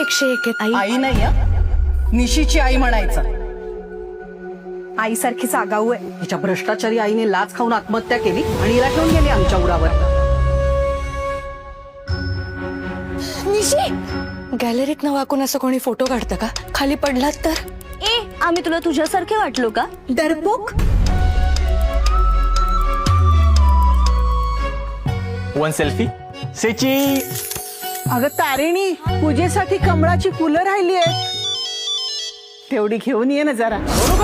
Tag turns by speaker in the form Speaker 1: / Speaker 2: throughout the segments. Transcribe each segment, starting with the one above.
Speaker 1: 101 आहेत आई.
Speaker 2: आई नाही हं? निशीची आई म्हणायचं.
Speaker 1: आईसारखीच आगाऊ आहे.
Speaker 2: हिच्या भ्रष्टाचारी आईने लाच खाऊन आत्महत्या केली आणि हिला ठेवून गेली आमच्या उरावर.
Speaker 1: निशी, गॅलरीत न वाकून असं कोणी फोटो काढतं का? खाली पडलात तर?
Speaker 3: आम्ही तुला तुझ्यासारखे वाटलो का?
Speaker 1: डरपोक.
Speaker 4: वन सेल्फी सेची.
Speaker 5: अगं तारिणी, पूजेसाठी कमळाची फुलं राहिली आहेत, तेवढी घेऊन ये ना जरा.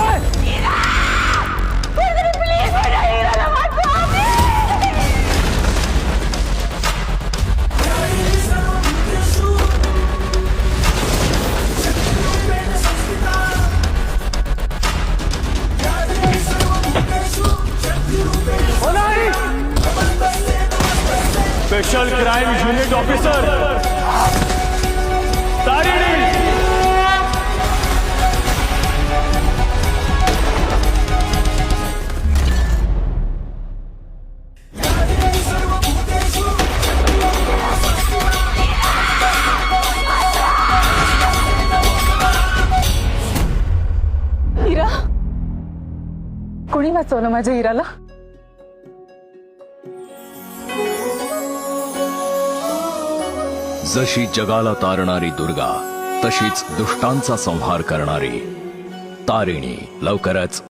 Speaker 4: Special crime unit officer Tarini.
Speaker 5: Hira, कोणी वाचवलं माझ्या हिराला?
Speaker 6: जशी जगाला तारणारी दुर्गा, तशीच दुष्टांचा संहार करणारी तारिणी लवकरच